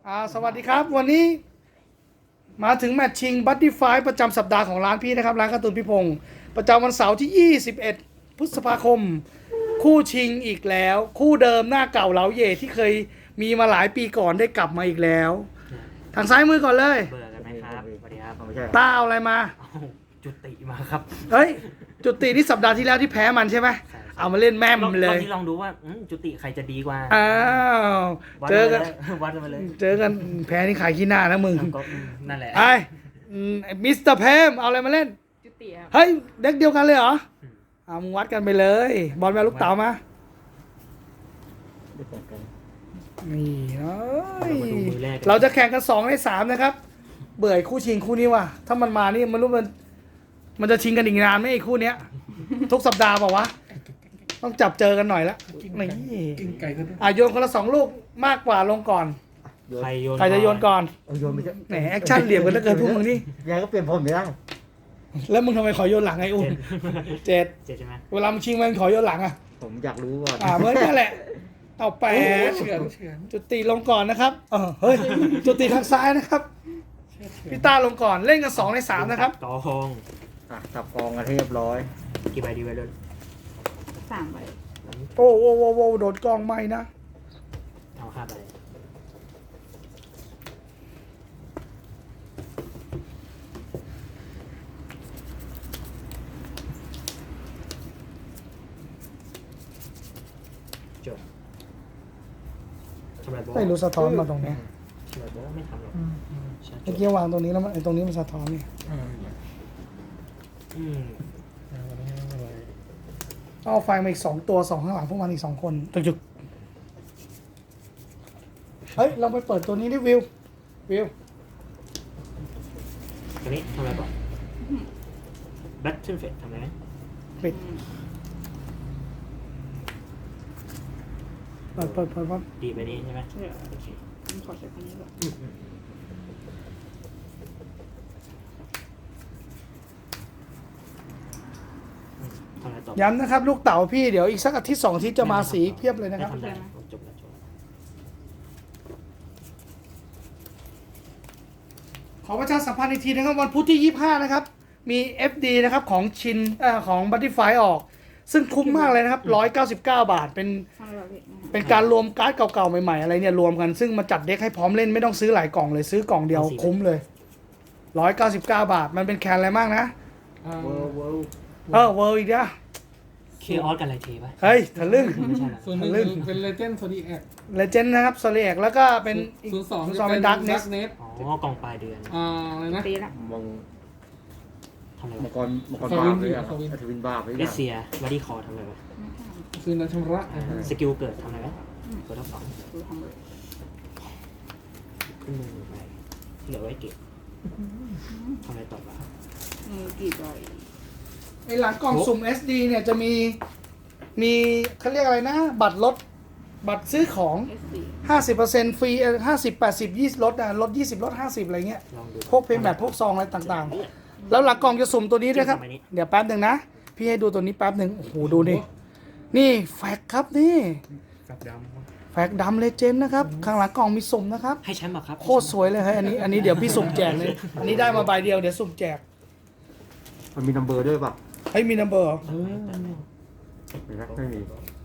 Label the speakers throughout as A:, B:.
A: สวัสดีครับวันนี้มาถึงแมตช์ชิงบัตตี้ไฟประจำสัปดาห์ของร้านพี่นะครับร้านการ์ตูนพี่พงศ์ประจำวันเสาร์ที่ 21 พฤษภาคม คู่ชิงอีกแล้ว คู่เดิมหน้าเก่าเหลาเย่ที่เคยมีมาหลายปีก่อนได้กลับมาอีกแล้ว ทางซ้ายมือก่อนเลย
B: เบื่อกันไหมครับสวัสดีครับ
C: ไม่ใช่
A: ตาเอาอะไรมา
B: เอาจุติมาครับ
A: เฮ้ย จุตินี่สัปดาห์ที่แล้วที่แพ้มันใช่ไหม
B: ใช่
A: เอามาเล่นแม่มเลย
B: รอบนี้ลองดูว่าจุติใครจะดีกว่า
A: อ้าว
B: วัด
A: เจอกัน
B: วัดกันมาเลย
A: เจอกันแพ้นี่ขายขี้หน้านะมึง
B: ก็นั่นแหละ
A: ไอ้มิสเตอร์เพมเอาอะไรมาเล่น
D: จุติครับ
A: เฮ้ยเด็กเดียวกันเลยเหรอเอามึงวัดกันไปเลย บอลแมวลูกเต๋ามา
C: ไม่ตรงกัน
A: นี่เอ้ย
B: มาดูมือแรกกัน
A: เราจะแข่งกัน2 ใน 3นะครับ เบื่อไอ้คู่ชิงคู่นี้ว่ะ ถ้ามันมานี่มันรู้มันจะชิงกันอีกนานไหมไอ้คู่เนี้ย ทุกสัปดาห์เปล่าวะ ต้องจับเจอกันหน่อยละนี่
E: กินไก่ก็ได้
A: โยนคนละ2 ลูกมากกว่าลงก่อน
B: ใครโยน
A: ใครจะโยนก่อน
C: เอาโยนไม่ใช่
A: แหมแอคชั่นเหลี่ยมกันเหลือเกินพวกมึงนี่
C: ยายก็เปลี่ยนผมไม่ได้
A: แล้วมึงทำไมขอโยนหลังไอ้อุ้ม
B: เจ็ด
A: เจ็ด
B: ใช่ไหม
A: เวลามึงชิงมันขอโยนหลังอ่ะ
C: ผมอยากรู้ก่อน
A: เหมือนกันแหละ เอาแปด
E: เฉือนเฉือน
A: จุติลงก่อนนะครับเฮ้ย จุติทางซ้ายนะครับ พี่ต้าลงก่อน เล่นกัน2 ใน 3นะครับ
B: กอง
C: จับกองกันให้เรียบร้อย
B: กี่ใบดีไว้เลย
D: 3 ใบ
A: โอ้โหโดนกล้องไหมนะ
B: เอา5 ใบจบทำไมบอก
A: ไม่รู้สะท้อนมาตรงเนี้ย
B: ทำไมบอกไม่ทำหรอกใช่
A: เมื่อกี้วางตรงนี้แล้วมันไอ้ตรงนี้มันสะท้อนนี่
B: อืม
A: เอาไฟมาอีก2 ตัว2ข้างหลังพวกมันอีก2 คนจุกเฮ้ย เราไปเปิดตัวนี้ดิวิว
B: ตัวนี้ทำอะไรก่อนแบทเทิลเฟสทำอะไรไหม
A: ปิดเปิด
B: ดีไปนี้ใช่ไหม
D: เดี๋ยว
B: โอเค
D: ผมขอใช้คนนี้ก่อน
B: ทำอะไรต่อ
A: ย้ำนะครับ ลูกเต๋าพี่เดี๋ยวอีกสักอาทิตย์2 อาทิตย์จะมาสีเพียบเลยนะครับ
B: ไม่ทำได้จบแล้ว
A: ขอประชาสัมพันธ์อีกทีนะครับวันพุธที่ 25 นะครับ มี FD นะครับของชินของบัตตี้ไฟออก ซึ่งคุ้มมากเลยนะครับ199 บาทเป็น
D: ทำอะไรแบบนี้นะคะ
A: เป็นการรวมการ์ดเก่าๆใหม่ๆอะไรเนี่ยรวมกันซึ่งมาจัดเด็กให้พร้อมเล่นไม่ต้องซื้อหลายกล่องเลยซื้อกล่องเดียวคุ้มเลย199 บาทมันเป็นแคนอะไรมากนะ
C: เวิร์เวิร์
A: เวอร์อีกนะ
B: เคออสกันอะไรเทปะ
A: เฮ้ยทะลึ่ง
B: ไม่ใช่นะ
E: ส่วนหนึ่ง
A: เรื่อง
E: เป็นเลเจนด์โซดีแอค
A: เลเจนด์นะครับโซเลียกแล้วก็เป็นอีก
E: 02
A: สองเป็นดักเนส
E: เนส
B: อ๋อกองปลายเดือน
E: อะไรนะ
D: ตีละ
C: มัง
B: ทำอะไร
C: มั
B: วะ
C: งกรมังกร
E: ส
C: บา
E: วิ
C: ป
E: น
C: เลย
E: สวิน
C: ทวินบาปเลย
B: เลสเซียบอดี้คอทำอะไรวะ
D: ไม่ทำ
E: คืนนั้นชำระ
B: สกิลเกิดทำอะไรวะเปิดทั้งสอง
D: ดูทำเลย
B: ขึ้นมือไปเหลือไว้เก็บทำอะไรต่อวะ
D: มือกี่ใบ
A: ไอหลังกล่องสุ่ม SD เนี่ยจะมีเขาเรียกอะไรนะ บัตรลดบัตรซื้อของ
D: SD
A: 50%ฟรี50 80 20ลดลด20ลด50อะไรเงี้ย
B: ลองดู
A: พวกเพย์แมทพวกซองอะไรต่างๆ แล้วหลังกล่องจะสุ่มตัวนี้ด้วยครับ เดี๋ยวแป๊บหนึ่งนะ พี่ให้ดูตัวนี้แป๊บหนึ่งโอ้โหดูนี่นี่แฟกครับนี่
E: กับด
A: แฟกดำเลเจนด์นะครับข้างหลังกล่องมีสุ่มนะครับ
B: ให้แชมป์เหรอครับ
A: โคตรสวยเลยเฮ้ยอันนี้เดี๋ยวพี่สุ่มแจกเลยอันนี้ได้มาใบเดียวเดี๋ยวสุ่มแจก
C: มันมีนัมเบอร์ด้วยป่ะ
A: เฮ้ยมีนัมเบอร์เหรอ
C: ไม่มี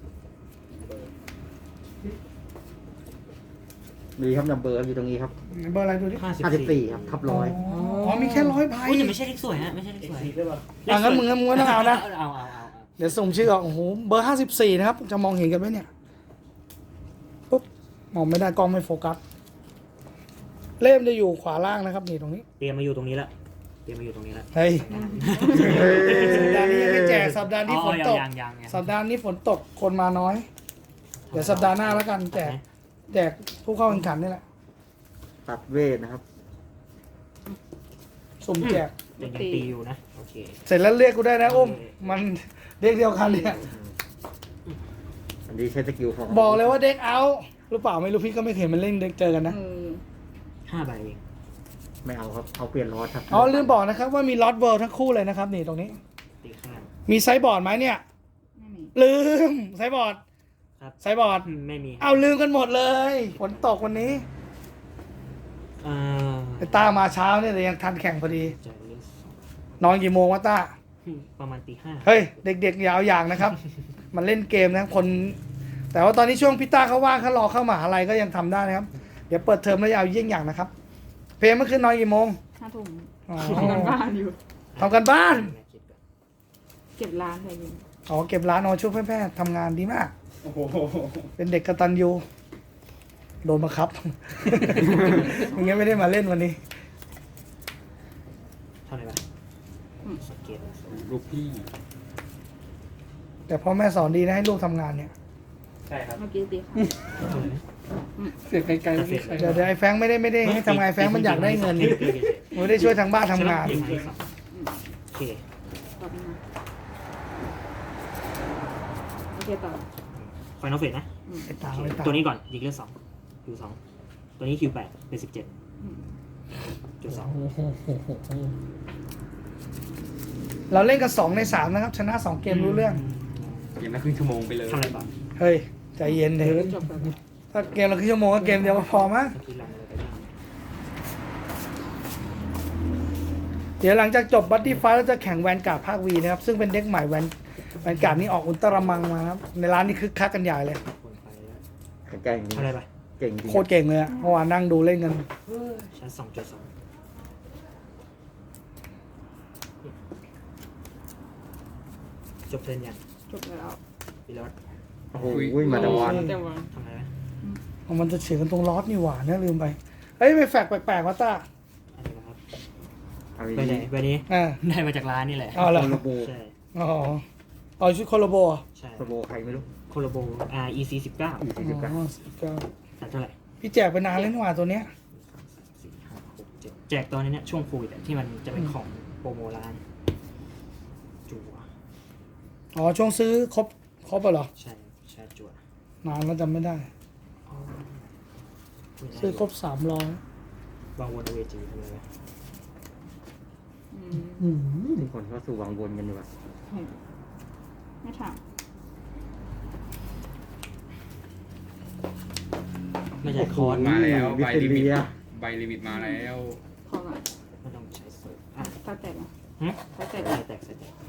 C: มีครับนัมเบอร์อยู่ตรงนี้ครับ
A: เบอร์อะไรดูดิ
C: 54ครับทับร้อย
A: อ๋อมีแค่100 ใบ
B: อุ้ยแต่ไม่ใช่เลขสวยฮะไม่ใช่เลขสวย
A: งั้นมึงต้องเอานะ
B: เอา
A: เดี๋ยวส่งชื่อออกโอ้โหเบอร์54นะครับจะมองเห็นกันไหมเนี่ยปุ๊บมองไม่ได้กล้องไม่โฟกัสเล่มจะอยู่ขวาล่างนะครับนี่ตรงนี้
B: เตรียมมาอยู่ตรงนี้ละเตรียมมาอยู่ตรงนี้ละ
A: เฮ้ยสัปดาห์นี้ยังไม่แจกสัปดาห์นี้ฝนตก
B: ยัง
A: สัปดาห์นี้ฝนตกคนมาน้อย เดี๋ยวสัปดาห์หน้าแล้วกันแจกผู้เข้าแข่งขันนี่แหละ
C: ตัดเวทนะครับ
A: สุ่มแจก
B: ยังตีอยู่นะโอเค
A: เสร็จแล้วเรียกกูได้นะอุ้มมันเรียกเดียวกันเนี่ย
C: อันนี้ใช้สกิลของ
A: บอกเลยว่าเด็กเอาหรือเปล่าไม่รู้พี่ก็ไม่เคยมันเล่นเด็กเจอกันนะ
B: 5 ใบเอง
C: ไม่เอาครับเอาเปลี่ยนรอดครับ
A: อ๋อลืมบอกนะครับว่ามีล็อตเวิลด์ทั้งคู่เลยนะครับนี่ตรงนี้
B: ตีข้าง
A: มีไซส์บอร์ดไหมเนี่ย
D: ไม่มี
A: ลืมไซส์บอร์ด
B: ครับ
A: ไซส์บอร์ด
B: ไม่มี
A: เอาลืมกันหมดเลยฝนตกวันนี้
B: อ่า
A: ไอ้ต้ามาเช้าเนี่ยแต่ยังทันแข่งพอดี
B: จ่ายเรื่องสอง
A: นอนกี่โมงวะต้า
B: ประมาณตีห้า
A: เฮ้ย เด็กๆอยาวอย่างนะครับ มันเล่นเกมนะคน แต่ว่าตอนนี้ช่วงพี่ต้าเขาว่างเขารอเข้ามหาลัยก็ยังทำได้นะครับ เดี๋ยวเปิดเทอมแล้วยาวเยี่ยงอย่างนะครับ เพลงเมื่อคืนนอนกี่โมง
D: 5 ทุ่ม
A: อ๋อ
D: ทำกันบ้านอยู่
A: ทำกันบ้าน
D: เก็บร้านอะไรอยู่
A: อ๋อเก็บร้านนอนช่วยแม่ๆทำงานดีมาก เป็นเด็กกตัญญูโดนบังคับ มึงงั้นไม่ได้มาเล่นวันนี้
B: เท่าไหร่ปะสเก็ต
E: ลูกพี่
A: แต่พ่อแม่สอนดีนะให้ลูกทำงานเนี่ย
E: ใช่ครับ
D: เมื่อกี้ตีค่ะ
B: เท่าไหร่นะ
E: เสียงไกลๆไม่มีใคร
A: เดี๋ยวไอ้แฟรงค์ไม่ได้ให้ทำงานไอ้แฟรงค์มันอยากได้เงินมันไม่ได้ช่วยทางบ้านทำงาน
B: โอเค
D: ตอบมาโอเคต่อ
B: ไฟนอลเฟสนะ
A: ไอ้ตาไอ้ตา
B: ตัวนี้ก่อนยิงเลือด2คิว2ตัวนี้คิว8เป็น17จุด2
A: เราเล่นกัน2 ใน 3นะครับ ชนะ 2 เกมรู้เรื่อง
E: เกมละครึ่งชั่วโมงไปเลย
B: ทำอะไรต่อ
A: เฮ้ย ใจเย็นเถอะ
D: จบไปแล้ว
A: ถ้าเกมเราครึ่งชั่วโมงก็เกมเดียวก็พอมั้ง
B: เมื่อกี้รันอะไรไปบ้าง
A: เดี๋ยวหลังจากจบบัตตี้ไฟเราจะแข่งแวนการ์ดภาควีนะครับ ซึ่งเป็นเด็กใหม่แวนการ์ดนี่ออกอุลตร้ามังมานะครับ ในร้านนี้คึกคักกันใหญ่เลย
B: คนไปแล้ว
C: แข็งแกร่งจริง
B: ทำอะไรไป
C: เก่งจริง
A: โคตรเก่งเลยอะเมื่อวานนั่งดูเล่นกัน
B: ชั้น2.2จบเทิร์นยัง
D: จบแล้ว
B: พี่รอด
C: โอ้โหมาตะวัน
D: แต่วัน
B: ทำอะไรไหม
A: มันจะเฉียงกันตรงลอสนี่หว่าเนี่ยลืมไป เฮ้ยไม่แฝกแปลกๆวะต้า
B: อันนี้นะครับ
C: เอา
B: ไปไหน
C: ดี
B: ไปนี้
A: อ่า
B: ได้มาจากร้านนี่แหละ
A: เอาเหรอ
C: โคโลโบ
B: ใช่
A: อ๋อเอาชุดโคโลโบอ่ะ
B: ใช่
C: โคโลโบใครไม่รู้
B: โคโลโบ REC 19
C: อีสี่สิบเก้า
A: อ๋อ19
B: แต่เท่าไหร่
A: พี่แจกไปนานแล้วนี่หว่าตัวเนี้ย
B: 4 5 6 7แจกตอนนี้เนี่ยช่วงโควิดอะที่มันจะเป็นของโปรโมร้านจั่ว
A: อ๋อช่วงซื้อครบอะเหรอ
B: ใช่ใช่จั่วน
A: านแล้วจำไม่ได้ ซื้อครบ300
B: วางวนเอาเวจีทำอะไรไหม
C: มีคนเข้าสู่วังวนกันอยู่อะ
D: ไม่ถาม
B: ไม่ใช่คอร์ส
E: มาแล้ว
C: วิ
E: ใบ
C: เท
E: ลิมิต
C: เลีย
E: ใบลิมิตมาแล้ว
D: พอก่อน
B: ไม่ต้องใช้เซิร์ฟอ่ะ
D: ถ้าแตกอ่ะ
B: หึ
D: ถ้าแตก
B: ใส่แตกใส่แตก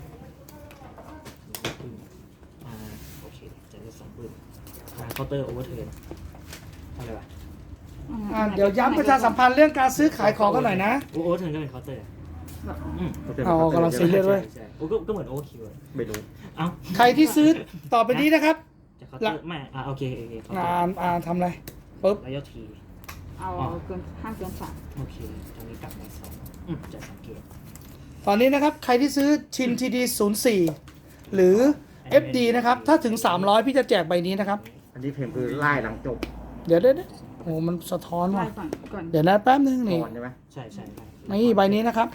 B: โอเคจะได้2ปืนเคาน์เตอร์โอเวอร์เทิร์นทำอะไรวะ
A: เดี๋ยวย้ำประชาสัมพันธ์เรื่องการซื้อขายของกันหน่อยนะ
B: โอเวอร์เทิร์นก็เป็นเคาน์เตอร์
A: เอากำลังซีเรียส เว้ย
B: ใช่ก็เหมือนโอเวอร์คิว
C: ไม่รู้
B: เอ้า
A: ใครที่ซื้อต่อไปนี้นะครับ
B: จะเคาน์เตอร์ไม่โอเคเคาน์เตอร์
A: ทำอะไรปุ๊บ
B: แล้วยอดที
D: เอาเกินห้ามเกิน3
B: โอเคตอนนี้กลับมา2จะสังเกต
A: ตอนนี้นะครับ ใครที่ซื้อชิน TD 04 หรือ FD นะครับ ถ้าถึง 300 พี่จะแจกใบนี้นะครับ
C: อันนี้เพลงคือไล่หลังจบ
A: เดี๋ยวโอ้มันสะท้อน
D: ไล่
A: ว่ะ
D: ก่อน
A: เดี๋ยวนะแป๊บนึงนี่
C: ก่อนใช่ไหม
B: ใช่ใช่
A: นี่ใบนี้นะครับ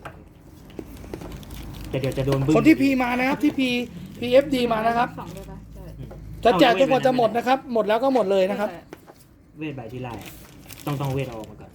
B: แต่เดี๋ยวจะโดนบึ้
A: คนที่พีมานะครับที่ PFD มานะครับ
D: 2ได้ปะใช่
A: จะแจกจนกว่าจะหมดนะครับ หมดแล้วก็หมดเลยนะครับ
B: เวทใบที่ไล่ต้องเวทเอาออกมาก่อน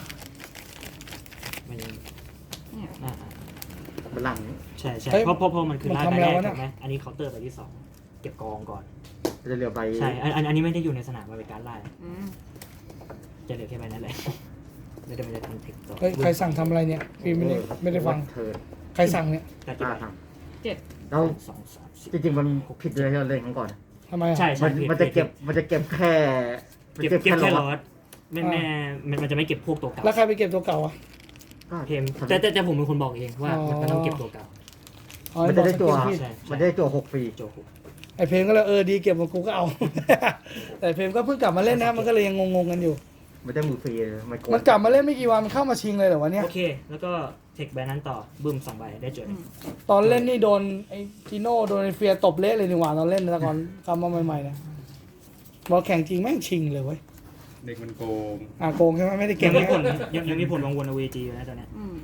B: มันยัง
D: เนี่ย
C: มันหลัง
B: ใช่ใช่
A: เฮ้ย
B: เพราะมันคือไล่
A: มัน
B: ใบ
A: ทำ
B: แร
A: แล้ว
B: ก
A: วะเนี่ย
B: ถูกไหมอันนี้เคาน์เตอร์ใบที่2เก็บกองก่อน
C: จะเหลือใบ
B: ใช่อันนี้ไม่ได้อยู่ในสนามมันเป็นการไล่
D: อืม
B: จะเหลือแค่ใบนั้นแหละแล้วเดี๋ยวมันจะทำเทคต่อ
A: เฮ้ยใครสั่งทำอะไรเนี่ยพี่ไม่ได้ฟัง
C: เธอ
A: ใครสั่งเนี่ย
B: แต่กี่
C: ตา
B: ใบ
C: ทาง
D: 7
C: แล้ว
B: 2 3 4
C: จริงๆมันผิดเลยที่เราเล่นกันก่อน
A: ทำไมอะ
B: ใช่ใช่
C: มันจะเก็บแค่
B: เก็บแค่
C: หล
B: ล
C: อ
B: อ
C: ด
B: ดมันจะไม่เก็บพวกตัวเก่า
A: แล้วใครไปเก็บตัวเก่าอ่ะ
C: ก็
B: เพมแต่ผมเป็นคนบอกเองว่ามันต้องเก็บตัวเก่า
A: อ๋อ
C: มันจะได้จั่ว
A: บอกสกิลผิด
B: ใช่
C: มันจะได้จั่ว6ฟรี
B: โจคุ
A: ไอเพลงก็เลยดีเก็บมากูก็เอา แต่เพลงก็เพิ่งกลับมาเล่นนะมันก็เลยยังงงๆกันอยู่
C: มันได้มือฟรีมันโกง
A: มันกลับมาเล่นไม่กี่วันมันเข้ามาชิงเลยเหรอวะเนี่ย
B: โอเค แล้วก็เทคใบนั้นต่อบึ้ม2ใบได้โจทย์
A: ตอนเล่นนี่โดนไอจิโน่โดนไอเฟียตบเละเลยนี่หว่าตอนเล่นแต่ก่อนกลับมาใหม่ๆนะบอลแข่งจริงแม่งชิงเลยเว้ย
E: เด็กมันโกง
A: โกงใช่ไหมไม่ได้
B: ยั
A: เก่ง
B: งมี
A: นะ
B: ผลยังมีผลวางวนเอาเวจีอยู่นะตอนเนี้ย
D: อืม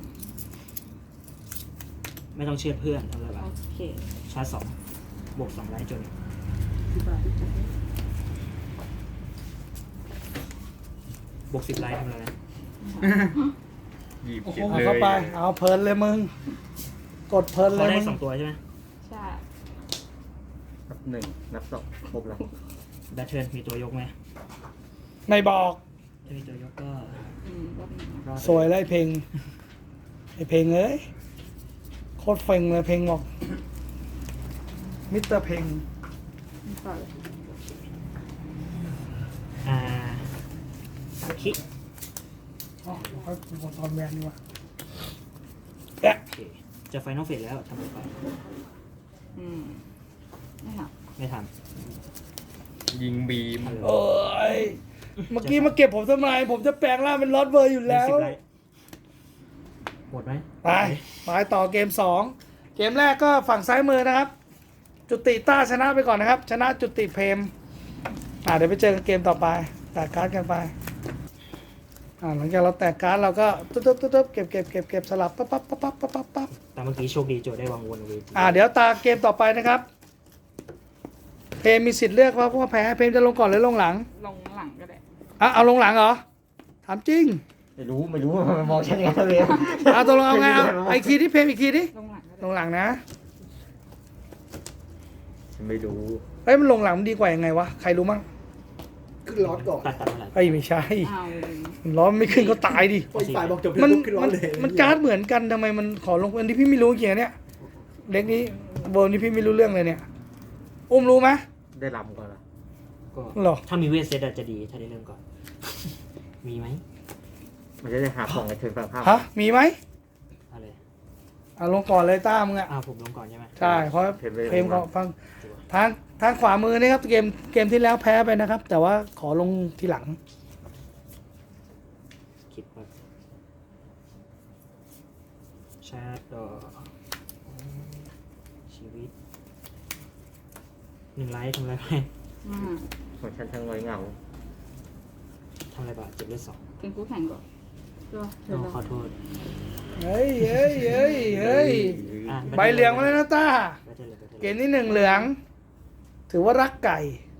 B: ไม่ต้องเชื่อเพื่อนอะไรแบบ
D: โอเค
B: ชาร์จ2บวก2ไลท์จนบวก10ไลท์ทำอะไรนะ
E: หยิบ
A: โอ้โห
E: เก็บ
A: เอา
E: เลย
A: เข้าไปเอาเพลินเลยมึงกดเพลินเล
B: เขา
A: ย
B: ได้
A: มึง
B: 2ตัวใช่ไหม
D: ใช่
C: นับ1นับ2ครบแล้ว
B: แบทเทิร์นมีตัวยกไหม
A: ไม่บอก
B: ถ้ามีตัวยกก็
D: อืมรอบหนึ่งนะ
C: รอด
A: สวยเลยเพลงไอเพลงเอ้ยโคตรเฟงเลยเพลงบอกมิสเตอร์เพลง
D: ต่อเลย
B: อ่าคิ
A: อ๋อเขาเป็นคนตอนแวนนี่วะ
B: โอเคจะไฟนอลเฟสแล้วทำไป
D: อืมไม่ท
B: ไม่ท
E: ยิงบีม
B: ำ
A: โอ้ยเมื่อกี้มาเก็บผมทำไมผมจะแปลงร่างเป็นลอตเวอร์อยู่แล้ว
B: 10ไลท์หมดไหม
A: ไปต่อเกม 2 เกมแรกก็ฝั่งซ้ายมือนะครับ จุติต้าชนะไปก่อนนะครับ ชนะจุติเพมเดี๋ยวไปเจอกันเกมต่อไปแตกการ์ดกันไปหลังจากเราแตกการ์ดเราก็ตุ๊บเก็บสลับปั๊บ
B: แต่เมื่อกี้โชคดีโจทย์ได้วางวนเอาไว้
A: เดี๋ยวตาเกมต่อไปนะครับ เพมมีสิทธิ์เลือกว่าแพ้เพมจะลงก่อนหรือลงหลัง
D: ำลงหลังก็ได้
A: เอาลงหลังเหรอถามจริง
C: ไม่รู้มันมองฉันยังไงเลย
A: ตกลงเอาไงเอาอีกทีที่เพมอีกทีดิ
D: ลงหลังก็
A: ล
D: ได้
A: งหลังนะ
C: ฉันไม่รู้
A: เฮ้ยมันลงหลังมันดีกว่ายังไงวะใครรู้มั่ง
F: ขึ้นร้อนก่อน
B: ตัดเมื่อไหร่
A: เฮ้ยไม่ใช่
D: เอา
A: มันร้อนไม่ขึ้นก็ตายดิ
F: พออีกฝ่ายบอกจบ
A: มัน
F: ขึ้นร้อนเลย
A: มันการ์ดเหมือนกันทำไมมันขอลงอันที่พี่ไม่รู้เกี่ยเนี่ยเด็กนี้เบอร์นี้พี่ไม่รู้เรื่องเลยเนี่ย อุ้มรู้ไหม
C: ได้ลำก่อนละ
B: ก็
A: หรอ
B: ถ้ามีเวทเซตอาจจะดีถ้าได้เริ่มก่อน มีไหม
C: มันจะได้หาของในเทิร์นฝั่งข้าม
A: ฮะมีไหม
B: อะไร
A: ลงก่อนเลยต้ามึงอะ
B: ผมลงก่อนใช่ไหม
A: ใช่เพราะเพมก็ฟังทางขวามือนี่ครับเกมที่แล้วแพ้ไปนะครับ แต่ว่าขอลงทีหลัง
B: คิดว่าชาร์จดอชีวิต1 ไลท์ทำอะไรไป
D: อืม
C: ของฉันทั้งน้อยเหงา
B: ทำอะไรบ้าง7 เลือด
D: เป็นคู่แข่งก่อนก็
B: 2
D: เดี๋ยวเรา
B: ขอโทษ
A: เฮ้ย
B: อ่ะ
A: ใบเหลืองมาแล้วนะต้า
B: ไปเถอะเลยไปเถอะ
A: เก
B: เลย
A: มนี้1เหลือง ถือว่ารักไก่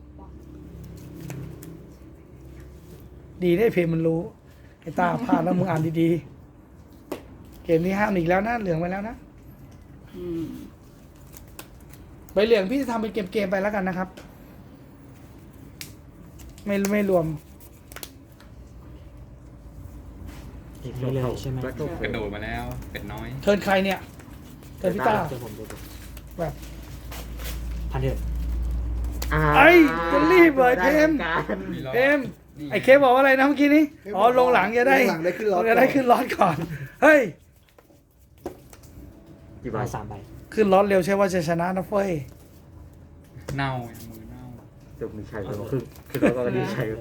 A: ดีได้เพมมันรู้ ไอ้ต้าพลาดแล้วมึงอ่านดีๆ เกมนี้ห้ามอีกแล้วนะเหลืองไปแล้วนะ
D: อืม
A: ใบเหลืองพี่จะทำเป็นเกมๆไปแล้วกันนะครับ ไม่รวม
B: เด็กนี้เลยใช่ไหม
C: แล้วก็
E: กระโดดมาแล้ว เป็ดน้อย
A: เทิร์นใครเนี่ย เทิร์นพี่ต้า
B: เจอผมเจอผม
A: แบบ
B: พันเถอะ
A: ไอ้จะรีบเหรอไอ้เพม
C: ได้กัน
E: มีรอบ
A: เพม
E: นี่
A: ไอ้เคบอกว่าอะไรนะเมื่อกี้นี้ลงหลังจะได้
F: ลงหลังได้ขึ้นร้อน
A: จะได้ขึ้นร้อนก่อน เฮ้ย
C: กี่ใบ
B: มา3 ใบ ขึ้
A: ขึ้นร้อนเร็วใช่ว่าจะชนะนะเฟ้ย
E: เน่ามือเน่า
C: จบมีชัยแล้วคือเราก็ดีชัย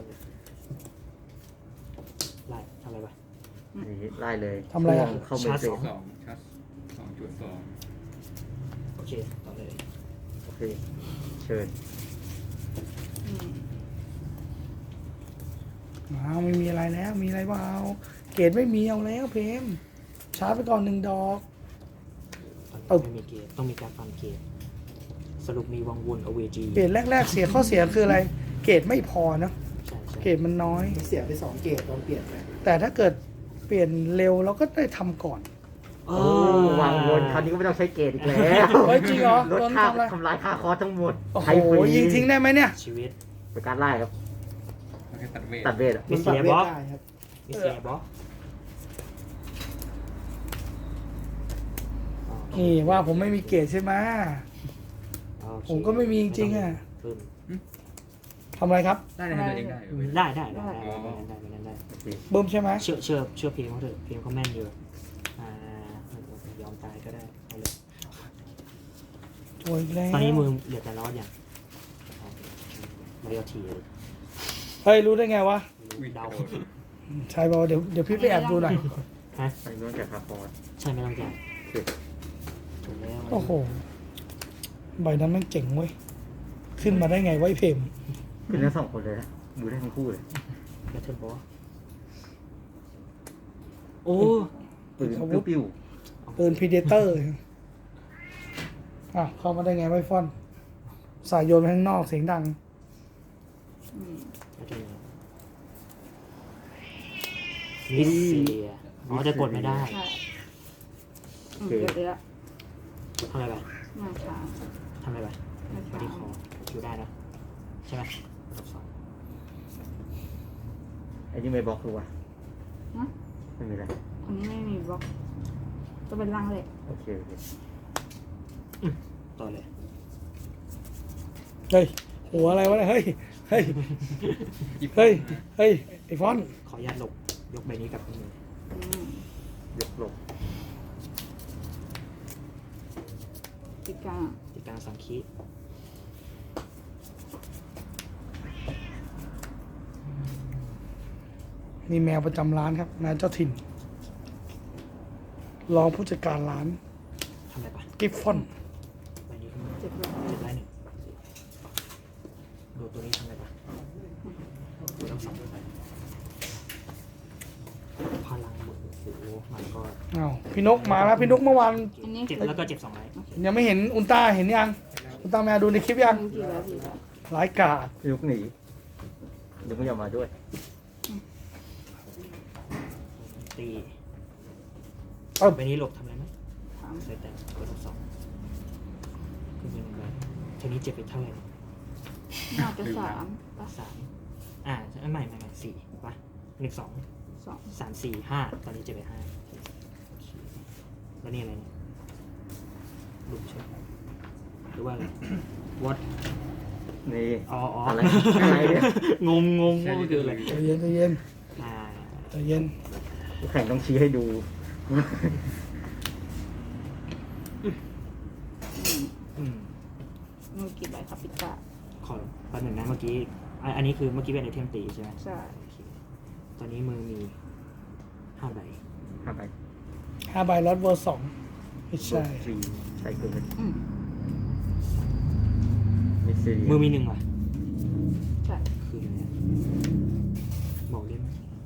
B: ไล่ทำอะไรไป
C: นี่ไล่เลย
A: ทำอะไรอ่ะ
C: เข้าเมนเซ
B: ชาร์จ
E: 2ชัด2.2
B: โอเคต่อเลย
C: โอเคเชิญ
D: อืม
A: ไม่มีอะไรแล้ว มีอะไรเปล่าเกรดไม่มีเอาแล้วเพมชาร์จไปก่อน1 ดอก
B: ตอนนี้ไม่มีเกตต้องมีการฟันเกตสรุปมีวังวนอเวจี
A: เกรดแรกๆเสียข้อเสียคืออะไร เกรดไม่พอเนอะ
B: ใช่ใช่
A: เกรดมันน้อย
F: เสียไป2 เกตตอนเปลี่ยนไป
A: แต่ถ้าเกิดเปลี่ยนเร็วเราก็ได้ทำก่อน
B: โอ้
C: วางวนคราวนี้ก็ไม่ต้องใช้เกตอีกแล้ว
A: เฮ้ยจริงเหรอ
C: ลด
A: โดน
C: ค่า
A: ทำอะไร
C: ทำลายค่าคอร์สทั้งหมด
A: โอ้โห
C: ใช้ฟรี
A: ยิงทิ้งได้ไหมเนี่ย
B: ชีวิต
C: เป็นการไล่ครับ
E: มันแค่ตัดเวท
C: ตัดเวทอะ
B: มิสเซียบอส
F: ได้ครับ
B: มิสเซียบอส
A: นี่ว่าผมไม่มีเกรดใช่ไหม ผมก็ไม่มีจริงๆอะ ทำอะไรครับ
E: ได้ในตัวเองได้เหรอเว้ย
B: ได้ได้
C: โอเค
A: บึ้มใช่ไหม
B: เชื่อเพลงเขาเถอะเพลงเขาแม่นอยู่ยอมตายก็ได้เอาเลย
A: โวยอีกแล้ว
B: ตอนนี้มือเหลือแต่ล้ออย่างมาเรียที
A: เฮ้ยรู้ได้ไงวะ
E: อุ้ย
B: เดา
E: โดน
A: ใช่ป่าวะเดี๋ยวพี่ไปแอบดูหน่อย
B: ฮะ
C: อันนี้ต้องแกะค่าคอร์ส
B: ใช่ไม่ต้องแกะ
C: โอเค
B: ถูกแล้ว
A: โอ้โห ใบนั้นแม่งเจ๋งเว้ย ขึ้นมาได้ไงไว้เพม
C: ขึ้นทั้งสองคนเลยนะมือได้ทั้งคู่เลย
B: แบทเทิลบอสโอ้
C: ปืนปิ้ว
A: ปืนพีเดเตอร์เข้ามาได้ไงไว้ฟอน สายโยนไปข้างนอกเสียงดัง
D: อืม
B: มิสเซียอ๋อจะกดไม่ได้
D: ใช่อืมเดี๋ยว
B: ทำอะไรไป
D: มาช้า
B: ทำอะไรไป
D: มา
B: บอ
D: ช้า
B: ดี้คออยู่ได้นะใช่ไหมรอบ 2
C: ๆไอ้นี่ไม่บล็อกคือวะ
D: ฮะ
C: ไม่มีอะไร
D: อันนี้ไม่มีบล็อกจะเป็นรังเหล็ก
C: โอเคโอเค
B: ต่อเลย
A: เฮ้ยหัวอะไรวะเนี่ยเฮ้ยเฮ้ยเฮ้ยเฮ้ยไอฟอน
B: ขออนุญาตหลบยกใบนี้กลับมือ
D: อืม
C: ยกลง
D: ติดกลาง
B: ติดกลาง3 คีย์
A: นี่แมวประจำร้านครับแมวเจ้าถิ่นรองผู้จัดการร้าน
B: ทำอะไรปะ
A: กิฟฟอน
B: ใบนี้ขึ้นมา
D: เจ็บเลย
B: เจ็บได้1ดูตัวนี้ทำอะไรปะดูทั้ง2ใบพลังหมดโอ้โหมันก็
A: อ้าวพี่นกมาแล้วพี่นกเมื่อวาน
D: อันนี้
B: เจ็บแล้วก็เจ็บ2 ใบ
A: ยังไม่เห็นอุลตร้าเห็นยังอุลตร้าแมวดูในคลิปยัง
D: กี่แล้วกี่แล้ว
A: ร้ายกาจ
C: ยกหนียกไม่ยอมมาด้วย
B: ตี
A: เอ้า
B: ใบนี้หลบทำอะไรไหม
D: ถาม
B: ใส่แต่กดทั้ง2ขึ้นไป1 ใบทีนี้เจ็บไปเท่าไหร่
D: น่าจะ3ปะ
B: ไม่4ป่ะ1 2
D: 2
B: 3 4 5ตอนนี้เจ็บไป5แล้วนี่อะไรเนี่ยหลุมใช่ไหมหรือว่าอะไร what
C: นี่
B: อ๋อ
C: อะไรอะไรเนี่ย
B: งงว่ามันคืออะไร
A: ใจเย็นใจเย็น
B: อ่า
A: ใจเย็น
C: แข่งต้องชี้ให้ดู
B: อืม
D: มือกี่ใบครับปิดตา
B: ขอแป๊บหนึ่งนะเมื่อกี้อันนี้คือเมื่อกี้เป็นไอเทมตีใช่ไหม
D: ใช่
B: โอเคตอนนี้มือมี5 ใบ
C: ห้าไป
A: 5 ใบลอตเวอร์2ไม่ใช่
C: สี่ใส่เกิน
D: อืม
C: มิสซี
B: มือมี1 ว่ะ
D: ใช่
B: คืออะไรอะบอกได้ไหม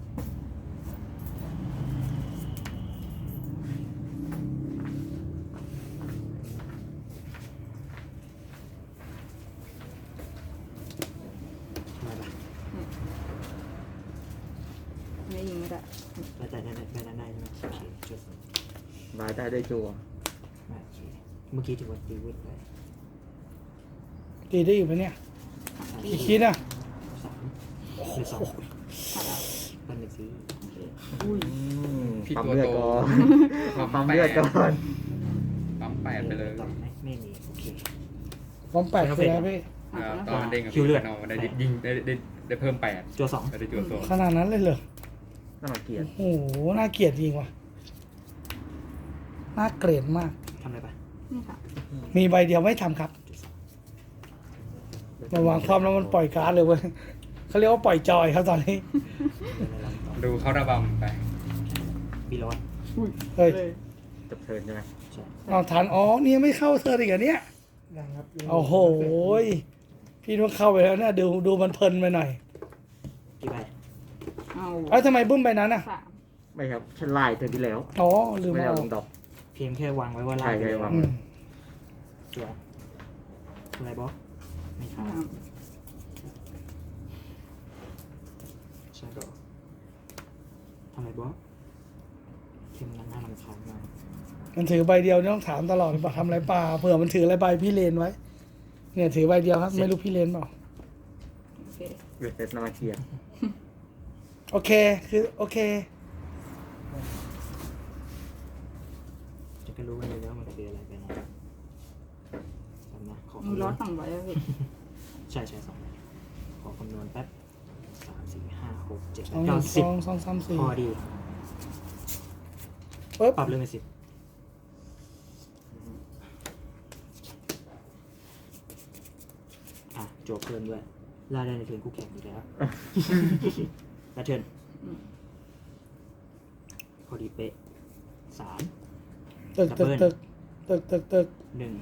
B: ทำไมล่ะ
D: อันนี้ยิงไม่ได้
B: แต่ได้ใช่ไหมโอเคจุด
C: บายได้จัว
B: โอเคเมื่อกี้ถือว่าตีวิทไป
A: ตีได้อยู่ปะเนี่ยกี่คิดอ่ะ
B: 3 หรือ 2
D: ขาดแล้ว
B: เป็น1 สี
D: โอเคอุ้ย
E: พี่
C: ปั๊ม
E: ตัว
C: เลือด
E: โต
C: ก่อน
E: ปั๊
C: ปั๊
E: ม
C: ม
E: แป
C: เลือด
E: ด
C: ก่อน
E: ปั๊ม8ไปเลย
B: ต่อไหมไม่มีโอเค
A: พร้อม8คืออะไรพี่
E: ตอนเด้งกับ
B: คิวเลือด
E: เอาได้ยิงได้เพิ่ม8
B: จัว
E: ได้จุด2
A: ขนาดนั้นเลยเหรอ
C: น่ารังเกียจ
A: โอ้โหน่าเกลียดจริงว่ะน่าเกลียดมาก
B: 2ทำอะไรปะ
D: นี่ค่ะ
A: มีใบเดียวไม่ทำครับ
B: จุด
A: มาวางความแล้วมันปล่อยการ์ดเลยเว้ยเขาเรียกว่าปล่อยจอยครับตอนนี้
B: 2
E: ดูเขาระบำไป
B: บีลอส
D: อุ้ย
A: เฮ้ย
D: เลย
C: จบเทิร์นใช่ไหม
B: ใช่
A: เอาทันอ๋อนี่ยังไม่เข้าเธออีกเหรอเนี่ย
F: ยังครับ
A: โอ้โหยพี่ต้องเข้าไปแล้วนะดูมันเพลินไปหน่อย
B: กี่ใบ
D: เอา
A: เอ้าทำไมบึ้มไปนั้นอ่ะ
D: 3
C: ไม่ครับฉันไล่เทิร์นที่แล้ว
A: อ๋อลืม
C: ไม่ได้
A: เอา
C: เอาลงดอก
B: เพียงแค่วางไว้ว่า
C: ใช่
B: ไล่ไป
C: ใช่
B: เลยว
C: าง
A: อืม
B: จัวอะไรบอสไม่ท
D: อ่า
B: ำใช่ก็ทำอะไรบอสเข็มนั้นน่ารำคาญมาก
A: มันถือใบเดียวนี่ต้องถามตลอดว่าทำอะไรเปล่าเผื่อมันถืออะไรใบพี่เลนไว้ เนี่ยถือใบเดียวครับ ไม่รู้พี่เลนเปล่า
D: โอเค
C: เวทเซตน่ารังเกียจ
A: โอเคคือโอเค
B: จะก็รู้กันเลยว่ามันคืออะไรไปนะจำนะขอ
D: มือ
B: คำน
D: ร้
B: ว
D: อ
B: ณ
D: น2ใบแล้วพี่
B: ใช่2 ใบขอคำนวณแป๊บ3 4 5 6 7
A: สอง
B: 8 9
A: สองสองสามสี่
B: 10พอดี
A: ปึ๊บ
B: ปรับเรื่องเป็น10อ่ะโจบเพิ่มด้วยล่าได้ในเทิร์นคู่แข่งอีกแล้ว แล้วเทิร์น
D: อืม
B: พอดีเป๊ะ3
A: ตึกตึกตึกตึกตึกตึก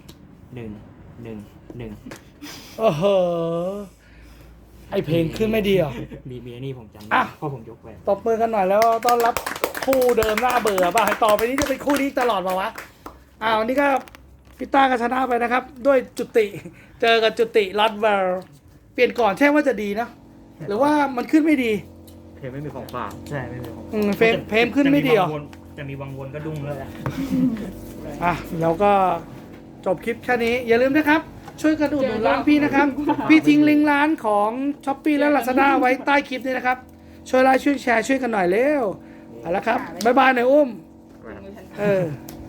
B: 1
A: โอ้โหไอเพลงขึ้นไม่ดีเหรอ
B: มีอันนี้ผมจำ
A: อ่ะ
B: ได้เพราะผมยกไป
A: ตบมือกันหน่อยแล้วต้อนรับคู่เดิมหน้าเบื่อป่ะต่อไปนี้จะเป็นคู่นี้ตลอดป่าวะวันนี้ก็พี่ต้าก็ชนะไปนะครับ ด้วยจุติเจอกับจุติลอตเวลเปลี่ยนก่อนใช่ว่าจะดีนะ หรือว่ามันขึ้นไม่ดี
C: เพลงไม่มีของฝาก
B: ใช่ไม่เป็นผม
A: เพลงขึ้นไม่ดีเหรอ
B: จะมีวังวนก็ดุ้งเลยอะ
A: แล้วก็จบคลิปแค่นี้ อย่าลืมนะครับ ช่วยกันอุดหนุนร้านพี่นะครับ พี่ทิ้งลิงก์ร้านของ Shopee และ Lazada ไว้ใต้คลิปนี้นะครับ ช่วยไลค์ช่วยแชร์ช่วยกันหน่อยเร็วเอาละครับบ๊ายบายหน่อยอุ้ม
D: ไม่ทัน
A: เออ
D: ท